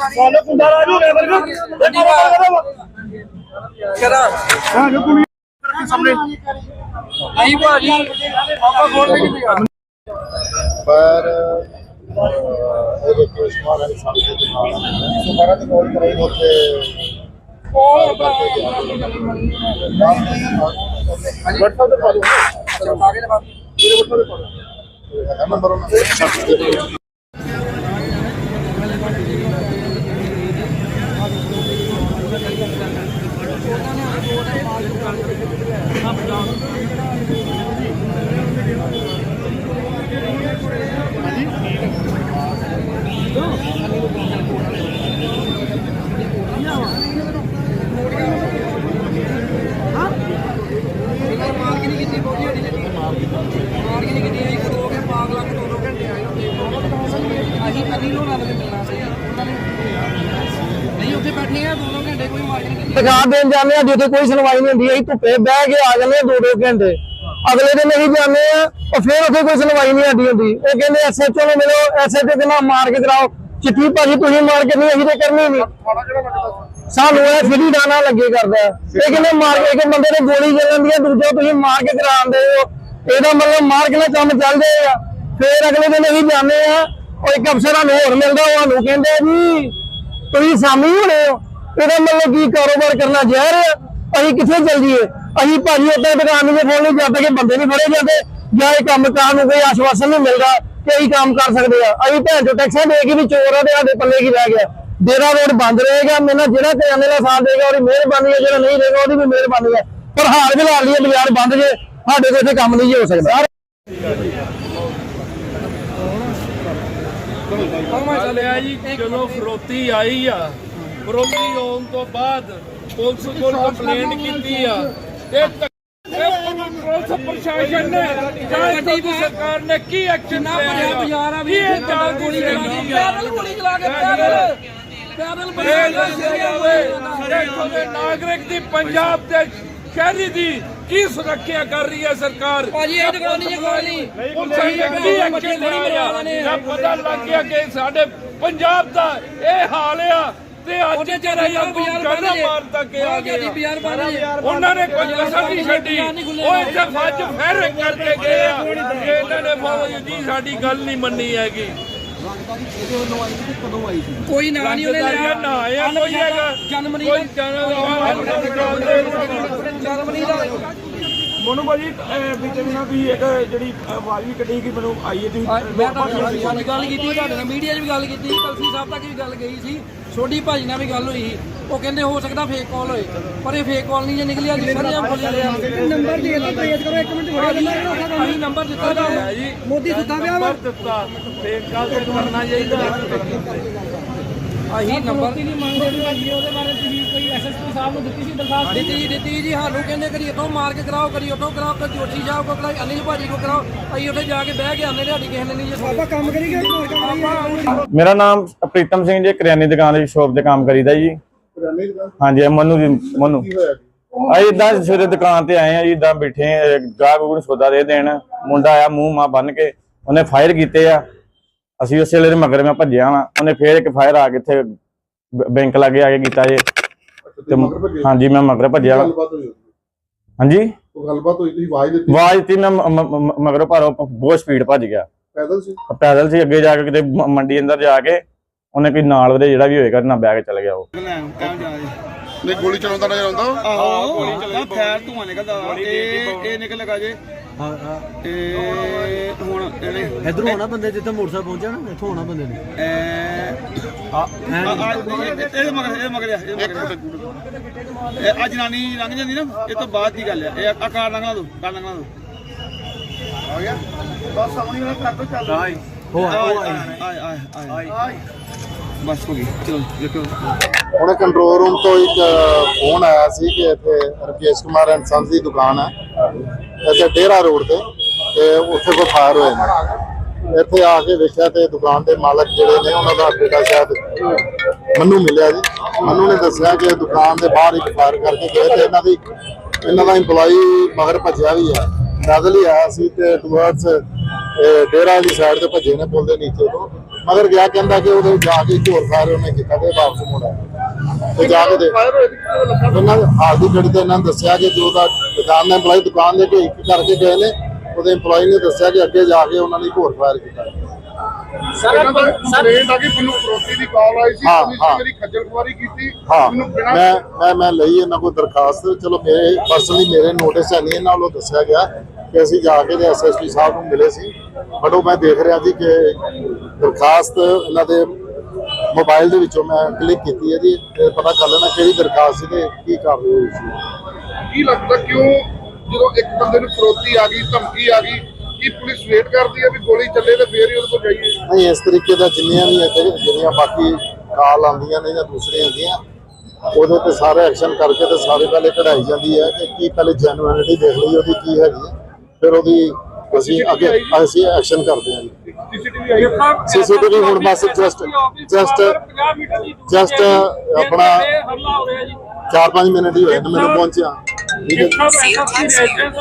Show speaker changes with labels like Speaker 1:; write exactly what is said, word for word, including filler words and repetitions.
Speaker 1: साले कुंडा राजू रे बरगर गड्डी का करा हां जो कुड़ी सामने नहीं भाजी आपा बोल के दिया पर ਇਹ ਕੇਸ ਮਾਰਨ ਸਾਹਮਣੇ ਦੇ ਨਾਲ ਸੁਮਾਰਾ ਦੀ ਕੋਲ ਕਰਾਈ ਉੱਥੇ ਕੋਲ WhatsApp ਤੇ ਪਾ ਦਿਓ ਆਗੇ ਲਗਾ ਮੇਰੇ WhatsApp ਤੇ ਪਾ ਦਿਓ ਨੰਬਰ ਉਹਨਾਂ
Speaker 2: दिखा देन जाने जिथे कोई सुनवाई नहीं होती धुप्पे बह के आ जाने दो दो घंटे अगले दिन नहीं जाने और फिर उसे कोई सुनवाई नहीं आती होती वो कहते एस एच ओ ने मिलो एस एच ओ के नाम मार के कराओ चिट्ठी भाजी तुम मार के नहीं अभी तो करनी नहीं सानू फिर ही डाना लगे करता है ये कहते मार के एक बंदे ने गोली चल जाती है दूजा तुम मार के करा दे हो यदा मतलब मार के काम चल जाएगा फिर अगले दिन नहीं जाने और एक अफसर होर मिलता वो कहते जी तुम सामी होने हो ਇਹਦਾ ਮਤਲਬ ਕੀ ਕਾਰੋਬਾਰ ਕਰਨਾ ਜ਼ਹਿਰ ਹੈ ਅਸੀਂ ਕਿੱਥੇ ਚੱਲ ਜੀਏ ਅਸੀਂ ਭਾਜੀ ਉੱਤੇ ਦੁਕਾਨ ਨੂੰ ਫੋਨ ਨਹੀਂ ਕਰਦੇ ਕਿ ਬੰਦੇ ਨਹੀਂ ਫੜੇ ਜਾਂਦੇ ਜਾਂ ਇਹ ਕੰਮ ਕਾਰ ਨੂੰ ਕੋਈ ਆਸ਼ਵਾਸਨ ਨਹੀਂ ਮਿਲਦਾ ਕਿ ਅਸੀਂ ਕੰਮ ਕਰ ਸਕਦੇ ਆ ਅਸੀਂ ਭੈਣ ਚੋ ਟੈਕਸਾਂ ਦੇ ਕੇ ਵੀ ਚੋਰ ਆ ਤੇ ਸਾਡੇ ਪੱਲੇ ਕੀ ਰਹਿ ਗਿਆ ਡੇਰਾ ਰੋਡ ਬੰਦ ਰਹੇਗਾ ਮੈਨਾਂ ਜਿਹੜਾ ਕਿਰਾਨੇ ਦਾ ਸਾਥ ਦੇਗਾ ਉਹਦੀ ਮਿਹਰਬਾਨੀ ਹੈ ਜਿਹੜਾ ਨਹੀਂ ਦੇਗਾ ਉਹਦੀ ਵੀ ਮਿਹਰਬਾਨੀ ਹੈ ਪਰ ਹਾਲ ਫਿਲਹਾਲ ਲਈ ਬਾਜ਼ਾਰ ਬੰਦ ਜੇ ਸਾਡੇ ਕੋਲ ਇੱਥੇ ਕੰਮ ਨਹੀਂ ਹੋ ਸਕਦਾ
Speaker 3: ਚਲੋ ਫਰੋਤੀ ਆਈ ਆ ਫਰੋਤੀ ਹੋਣ ਤੋਂ ਬਾਅਦ ਪੁਲਿਸ ਕੋਲ ਕੰਪਲੇਂਟ ਕੀਤੀ ਆ ਇਹ ਪੁਲਿਸ ਪ੍ਰਸ਼ਾਸਨ ਨੇ ਜਾਂ ਸਰਕਾਰ ਨੇ ਕੀ ਐਕਸ਼ਨ ਨਾ ਭਰਿਆ ਬਾਜ਼ਾਰ ਆ ਵੀ ਇਹ ਤਾਂ ਗੋਲੀ ਚਲਾ ਕੇ ਪੈਦਲ ਗੋਲੀ ਚਲਾ ਕੇ ਪੈਦਲ ਪੈਦਲ ਨਾਗਰਿਕ ਦੀ ਪੰਜਾਬ ਦੇ ਸ਼ਹਿਰੀ ਦੀ ਕੀ ਸੁਰੱਖਿਆ ਕਰ ਰਹੀ ਹੈ ਸਰਕਾਰ ਭਾਜੀ ਇਹ ਤਾਂ ਨਹੀਂ ਗੋਲੀ ਪੁਲਿਸ ਨੇ ਕੀ ਐਕਸ਼ਨ ਲਿਆ ਜਦ ਪਤਾ ਲੱਗ ਗਿਆ ਕਿ ਸਾਡੇ ਪੰਜਾਬ ਦਾ ਇਹ ਹਾਲ ਆ ਤੇ ਅੱਜ ਜਿਹੜਾ ਬਾਜ਼ਾਰ ਮਾਰਦਾ ਕਿ ਆ ਗਿਆ ਉਹਨਾਂ ਨੇ ਕੋਈ ਕਸਰ ਨਹੀਂ ਛੱਡੀ ਉਹ ਇੱਥੇ ਫੱਜ ਫੇਰ ਕਰਕੇ ਗਏ ਆ ਇਹਨਾਂ ਨੇ ਫੌਜ ਦੀ ਸਾਡੀ ਗੱਲ ਨਹੀਂ ਮੰਨੀ ਹੈਗੀ ਕੋਈ ਨਾਂ ਨਹੀਂ ਉਹਨੇ ਲਿਆ ਨਾ ਆਇਆ ਕੋਈ ਹੈਗਾ ਜਨਮਨੀ ਕੋਈ ਜਨਮਨੀ ਦਾ ਮੋਨੂ ਭਾਜੀ ਬੀਤੇ ਬਿਨਾ ਵੀ ਇੱਕ ਜਿਹੜੀ ਆਵਾਜ਼ ਵੀ ਕੱਢੀ ਕਿ ਮੈਨੂੰ ਆਈ ਹੈ ਤੁਸੀਂ ਮੈਂ ਤਾਂ ਗੱਲ ਕੀਤੀ ਤੁਹਾਡੇ ਨਾਲ ਮੀਡੀਆ 'ਚ ਵੀ ਗੱਲ ਕੀਤੀ ਕਲਸੀ ਸਾਹਿਬ ਤੱਕ ਵੀ ਗੱਲ ਗਈ ਸੀ ਛੋਟੀ ਭਾਜੀ ਨਾਲ ਵੀ ਗੱਲ ਹੋਈ ਉਹ ਕਹਿੰਦੇ ਹੋ ਸਕਦਾ ਫੇਕ ਕਾਲ ਹੋਏ ਪਰ ਇਹ ਫੇਕ ਕਾਲ ਨਹੀਂ ਜੇ ਨਿਕਲਿਆ ਜੀ ਸਾਰੇ ਆਪ ਬੋਲਿਆ ਨੰਬਰ ਦੇ ਦਿਓ ਟ੍ਰੇਸ ਕਰੋ ਇੱਕ ਮਿੰਟ ਅਸੀਂ ਨੰਬਰ ਦਿੱਤਾ ਹੈ ਜੀ ਮੋਦੀ ਸੁੱਤਾ ਪਿਆ ਵਾ ਦਿੱਤਾ ਫੇਕ ਕਾਲ ਤੋਂ ਕਰਨਾ ਚਾਹੀਦਾ ਅਸੀਂ ਨੰਬਰ ਦੀ ਨਹੀਂ ਮੰਗਦੇ ਵੀ ਉਹਦੇ ਬਾਰੇ ਤੁਸੀਂ ਕੋਈ ਐਸਐਸਪੀ ਸਾਹਿਬ ਨੂੰ ਦਿੱਤੀ ਸੀ ਦਰਖਾਸਤ ਦਿੱਤੀ ਦਿੱਤੀ ਜੀ ਸਾਨੂੰ ਕਹਿੰਦੇ ਕਰੀ ਇੱਥੋਂ ਮਾਰ ਕੇ ਕਰਾਓ ਕਰੀ ਉੱਥੋਂ ਕਰਾਓ ਕਦੀ ਜੋਸ਼ੀ ਸਾਹਿਬ ਕੋ ਕਰਾਓ ਅਨਿਲ ਭਾਜੀ ਕੋ ਕਰਾਓ ਅਸੀਂ ਉੱਥੇ ਜਾ ਕੇ ਬਹਿ ਕੇ ਆਨੇ ਸਾਡੀ ਕਿਸੇ ਨੇ ਨਹੀਂ ਜੇ ਆਪਾਂ ਕੰਮ ਕਰੀਏ
Speaker 4: ਮੇਰਾ ਨਾਮ ਪ੍ਰੀਤਮ ਸਿੰਘ ਜੀ ਕਰਿਆਨੇ ਦੁਕਾਨ ਦੀ ਸ਼ੋਪ ਤੇ ਕੰਮ ਕਰੀਦਾ ਜੀ ਹਾਂਜੀ ਮਨੂ ਜੀ ਮਨੂ ਅਸੀਂ ਇਦਾਂ ਸਵੇਰੇ ਦੁਕਾਨ ਤੇ ਆਏ ਆ ਜੀ ਇਦਾਂ ਬੈਠੇ ਗਾਹਕ ਨੂੰ ਸੌਦਾ ਦੇ ਦੇਣ ਮੁੰਡਾ ਆਇਆ ਮੂੰਹ ਮਾਂ ਬੰਨ ਕੇ ਉਹਨੇ ਫਾਇਰ ਕੀਤੇ ਆ ਅਸੀਂ ਉਸੇ ਵੇਲੇ ਮਗਰ ਮੈਂ ਭੱਜਿਆ ਵਾ ਉਹਨੇ ਫੇਰ ਇੱਕ ਫਾਇਰ ਆ ਕੇ ਇੱਥੇ ਬੈਂਕ ਲਾਗੇ ਆ ਕੇ ਕੀਤਾ ਜੇ ਹਾਂਜੀ ਮੈਂ ਮਗਰ ਭੱਜਿਆ ਹਾਂਜੀ
Speaker 1: ਗੱਲਬਾਤ ਹੋਈ ਤੁਸੀਂ ਆਵਾਜ਼ ਦਿੱਤੀ
Speaker 4: ਆਵਾਜ਼ ਦਿੱਤੀ ਮੈਂ ਮਗਰੋਂ ਪਰ ਬਹੁਤ ਸਪੀਡ ਭੱਜ ਗਿਆ
Speaker 1: ਪੈਦਲ ਸੀ
Speaker 4: ਪੈਦਲ ਸੀ ਅੱਗੇ ਜਾ ਕੇ ਕਿਤੇ ਮੰਡੀ ਅੰਦਰ ਜਾ ਕੇ ਉਹਨੇ ਕੋਈ ਨਾਲ ਉਹਦੇ ਜਿਹੜਾ ਵੀ ਹੋਏਗਾ ਨਾ ਬਹਿ ਕੇ ਚਲ ਗਿਆ ਉਹ
Speaker 1: ਨਹੀਂ ਗੋਲੀ ਚਲਾਉਂਦਾ ਨਜ਼ਰ ਆਉਂਦਾ
Speaker 5: ਆਹੋ ਗੋਲੀ ਚੱਲਦਾ ਫੈਰ ਧੂਆਂ ਨਿਕਲਦਾ ਇਹ ਇਹ ਨਿਕਲ ਲਗਾ ਜੇ ਹਾਂ ਹਾਂ ਤੇ ਹੁਣ ਇਹਨੇ ਇਧਰੋਂ ਆਉਣਾ ਬੰਦੇ ਜਿੱਥੇ ਮੋਟਰਸਾਈਕਲ ਪਹੁੰਚਿਆ ਨਾ ਇੱਥੋਂ ਆਉਣਾ ਬੰਦੇ ਨੇ ਐ ਆ ਇਹ ਮਗਰ ਇਹ ਮਗਰ ਇਹ ਆ ਜਨਾਨੀ ਲੰਘ ਜਾਂਦੀ ਨਾ ਇਹ ਤੋਂ ਬਾਅਦ ਦੀ ਗੱਲ ਆ ਇਹ ਆ ਕਾਰ ਲੰਘਣਾ ਦੋ ਕਾਰ ਲੰਘਣਾ ਦੋ
Speaker 1: ਆ ਗਿਆ ਬਸ ਆਉਣੀ ਵਾਲਾ ਕਰ ਦੋ ਚੱਲ
Speaker 5: ਹੋ ਆਏ ਆਏ ਆਏ ਆਏ ਬਸ ਹੋ ਗਈ ਚਲੋ ਦੇਖੋ
Speaker 1: ਉਹਨੇ ਕੰਟਰੋਲ ਰੂਮ ਤੋਂ ਇੱਕ ਫੋਨ ਆਇਆ ਸੀ ਕਿ ਇੱਥੇ ਰਕੇਸ਼ ਕੁਮਾਰ ਐਂਡ ਸੰਸ ਦੀ ਦੁਕਾਨ ਹੈ ਇੱਥੇ ਡੇਰਾ ਰੋਡ ਤੇ ਤੇ ਉੱਥੇ ਕੋਈ ਫਾਇਰ ਹੋਏ ਨੇ ਇੱਥੇ ਆ ਕੇ ਵੇਖਿਆ ਤੇ ਦੁਕਾਨ ਦੇ ਮਾਲਕ ਜਿਹੜੇ ਨੇ ਉਹਨਾਂ ਦਾ ਬੇਟਾ ਸ਼ਾਇਦ ਮੰਨੂ ਮਿਲਿਆ ਜੀ ਮੰਨੂ ਨੇ ਦੱਸਿਆ ਕਿ ਦੁਕਾਨ ਦੇ ਬਾਹਰ ਇੱਕ ਫਾਇਰ ਕਰਕੇ ਗਏ ਤੇ ਇਹਨਾਂ ਦੀ ਇਹਨਾਂ ਦਾ ਇੰਪਲਾਈ ਮਗਰ ਭੱਜਿਆ ਵੀ ਹੈ ਪੈਦਲ ਹੀ ਆਇਆ ਸੀ ਤੇ ਟੁਵਰਡਸ ਡੇਰਾ ਵਾਲੀ ਸਾਈਡ ਤੇ ਭੱਜੇ ਨੇ ਪੁਲ ਦੇ ਨੀਚੇ ਤੋਂ ਮਗਰ ਗਿਆ ਕਹਿੰਦਾ ਕਿ ਉਹਦੇ ਜਾ ਕੇ ਝੋਰ ਫਾਇਰ ਉਹਨੇ ਕੀਤਾ ਤੇ ਵਾਪਸ ਮੁੜਾ ਤੇ ਜਾ ਕੇ ਦੇ ਇਹਨਾਂ ਦੇ ਹਾਲ ਦੀ ਘੜੀ ਤੇ ਇਹਨਾਂ ਨੇ ਦੱਸਿਆ ਕਿ ਜੋ ਦਾ ਦੁਕਾਨ ਦਾ EMPLOYE ਦੁਕਾਨ ਦੇ ਕੋਈ ਇੱਕ ਕਰਕੇ ਗਏ ਨੇ, ਉਹਦੇ EMPLOYE ਨੇ ਦੱਸਿਆ ਕਿ ਅੱਗੇ ਜਾ ਕੇ ਉਹਨਾਂ ਨੇ ਝੋਰ ਫਾਇਰ ਕੀਤਾ।
Speaker 6: ਸਰ ਕੰਪਲੇਂਟ ਆ ਕਿ ਮੈਨੂੰ ਫਰੋਤੀ ਦੀ ਕਾਲ ਆਈ ਸੀ,
Speaker 1: ਹਾਂ,
Speaker 6: ਪੁਲਿਸ
Speaker 1: ਹਾਂ।
Speaker 6: ਨੇ ਮੇਰੀ ਖੱਜਲ ਖੁਆਰੀ ਕੀਤੀ।
Speaker 1: ਹਾਂ
Speaker 6: ਮੈਨੂੰ ਬਿਨਾਂ
Speaker 1: ਮੈਂ ਮੈਂ ਮੈਂ ਲਈ ਇਹਨਾਂ ਕੋਲ ਦਰਖਾਸਤ, ਚਲੋ ਮੇਰੇ ਪਰਸਨਲੀ ਮੇਰੇ ਨੋਟਿਸ ਹੈ ਨਹੀਂ, ਇਹਨਾਂ ਵੱਲੋਂ ਦੱਸਿਆ ਗਿਆ ਕਿ ਅਸੀਂ ਜਾ ਕੇ ਐਸਐਸਪੀ ਸਾਹਿਬ ਨੂੰ ਮਿਲੇ ਸੀ, ਬਟ ਉਹ ਮੈਂ ਦੇਖ ਰਿਹਾ ਜੀ ਕਿ ਦਰਖਾਸਤ ਇਹਨਾਂ ਦੇ ਮੋਬਾਈਲ ਦੇ ਵਿੱਚੋਂ ਮੈਂ ਕਲਿੱਕ ਕੀਤੀ ਹੈ ਜੀ, ਤੇ ਪਤਾ ਕਰ ਲੈਣਾ ਕਿਹੜੀ ਦਰਖਾਸਤ ਸੀ ਤੇ ਕੀ ਕਾਰਵਾਈ ਹੋਈ ਸੀ।
Speaker 6: ਕੀ ਲੱਗਦਾ ਕਿਉਂ ਜਦੋਂ ਇੱਕ ਬੰਦੇ ਨੂੰ ਫਰੋਤੀ ਆ ਗਈ, ਧਮਕੀ ਆ ਗਈ, ਕੀ ਪੁਲਿਸ ਵੇਟ ਕਰਦੀ ਹੈ ਵੀ ਗੋਲੀ ਚੱਲੇ ਤੇ ਫੇਰ ਹੀ ਉਹਦੇ ਕੋਲ ਜਾਈਏ?
Speaker 1: ਨਹੀਂ, ਇਸ ਤਰੀਕੇ ਦਾ ਜਿੰਨੀਆਂ ਵੀ ਇੱਥੇ ਜਿਹੜੀਆਂ ਬਾਕੀ ਕਾਲ ਆਉਂਦੀਆਂ ਨੇ ਜਾਂ ਦੂਸਰੀਆਂ ਹੁੰਦੀਆਂ ਉਹਦੇ ਤੇ ਸਾਰੇ ਐਕਸ਼ਨ ਕਰਕੇ ਤੇ ਸਾਰੇ ਪਹਿਲੇ ਕਢਾਈ ਜਾਂਦੀ ਹੈ ਕਿ ਕੀ ਪਹਿਲੇ ਜੈਨੂਇਨਿਟੀ ਦੇਖ ਲਈ ਉਹਦੀ ਕੀ ਹੈਗੀ ਹੈ, ਫਿਰ ਉਹਦੀ ਅਸੀਂ ਅੱਗੇ ਅਸੀਂ ਐਕਸ਼ਨ ਕਰਦੇ ਹਾਂ ਜੀ।
Speaker 6: ਸੀਸੀਟੀਵੀ ਆਈ
Speaker 1: ਸੀਸੀਟੀਵੀ ਹੁਣ ਬਸ ਜਸਟ ਜਸਟ ਜਸਟ ਆਪਣਾ ਚਾਰ ਪੰਜ ਮਿੰਟ ਹੀ ਹੋਏ ਨੇ ਮੈਨੂੰ ਪਹੁੰਚਿਆ, ਠੀਕ ਹੈ ਜੀ।